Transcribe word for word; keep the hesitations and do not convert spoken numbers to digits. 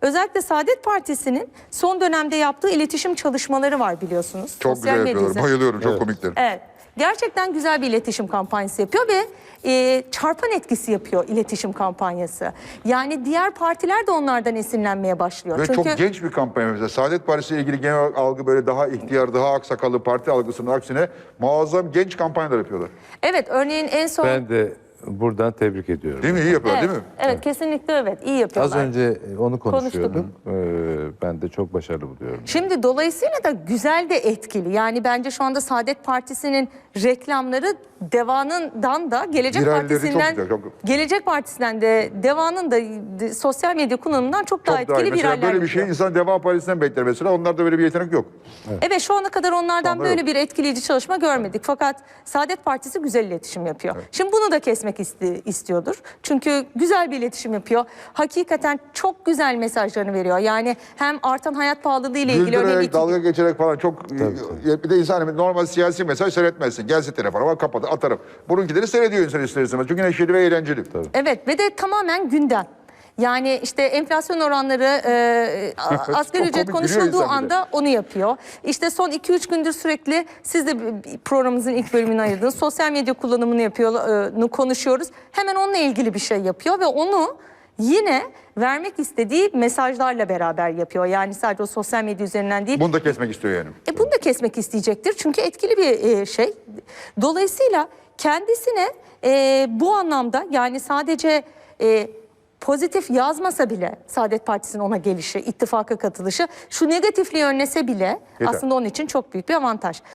Özellikle Saadet Partisi'nin son dönemde yaptığı iletişim çalışmaları var biliyorsunuz. Çok Sosyal güzel yapıyorlar. medyada. Bayılıyorum. Çok Evet. komikler. Evet. Gerçekten güzel bir iletişim kampanyası yapıyor ve e, çarpan etkisi yapıyor iletişim kampanyası. Yani diğer partiler de onlardan esinlenmeye başlıyor. Ve Çünkü çok genç bir kampanya mesela. Saadet Partisi ile ilgili genel algı böyle daha ihtiyar, daha aksakallı parti algısının aksine muazzam genç kampanyalar yapıyorlar. evet, örneğin en son... Ben de buradan tebrik ediyorum. Değil mi? İyi yapıyorlar evet, değil mi? evet, kesinlikle evet, iyi yapıyorlar. Az önce onu konuşuyordum. Ee, ben de çok başarılı buluyorum. Şimdi dolayısıyla da güzel de etkili. Yani bence şu anda Saadet Partisi'nin reklamları Deva'nından da Gelecek Viralleri çok Partisi'nden güzel, çok- Gelecek Partisi'nden de Deva'nın da de, sosyal medya kullanımından çok daha Çok daha iyi. etkili Mesela viraller böyle bir şey yapıyor. insan Deva Partisi'nden bekler mesela. Onlarda böyle bir yetenek yok. Evet, şu ana kadar onlardan Onda böyle yok. bir etkileyici çalışma görmedik. Fakat Saadet Partisi güzel iletişim yapıyor. Şimdi bunu da kesmek isti- istiyordur. Çünkü güzel bir iletişim yapıyor. Hakikaten çok güzel mesajlarını veriyor. Yani hem artan hayat pahalılığı ile ilgili örneğin Güldürerek, iki- dalga geçerek falan çok... Bir de insan normal siyasi mesaj seyretmezsin. Gelse telefona kapatır, atarım. Bununkileri seyrediyor insan ister istemez. Çünkü neşeli ve eğlenceli. Evet ve de tamamen gündem. Yani işte enflasyon oranları, e, a- asgari Çok ücret komik, konuşulduğu gülüyor insan bir de. anda onu yapıyor. İşte son iki üç gündür sürekli siz de bir- programımızın ilk bölümünü ayırdınız. Sosyal medya kullanımını yapıyor, e, konuşuyoruz. Hemen onunla ilgili bir şey yapıyor ve onu yine vermek istediği mesajlarla beraber yapıyor. Yani sadece o sosyal medya üzerinden değil. Bunu da kesmek istiyor yani. E bunu da kesmek isteyecektir çünkü etkili bir e, şey. Dolayısıyla kendisine e, bu anlamda yani sadece e, pozitif yazmasa bile Saadet Partisi'nin ona gelişi, ittifaka katılışı şu negatifliği önlese bile Yeter. aslında onun için çok büyük bir avantaj.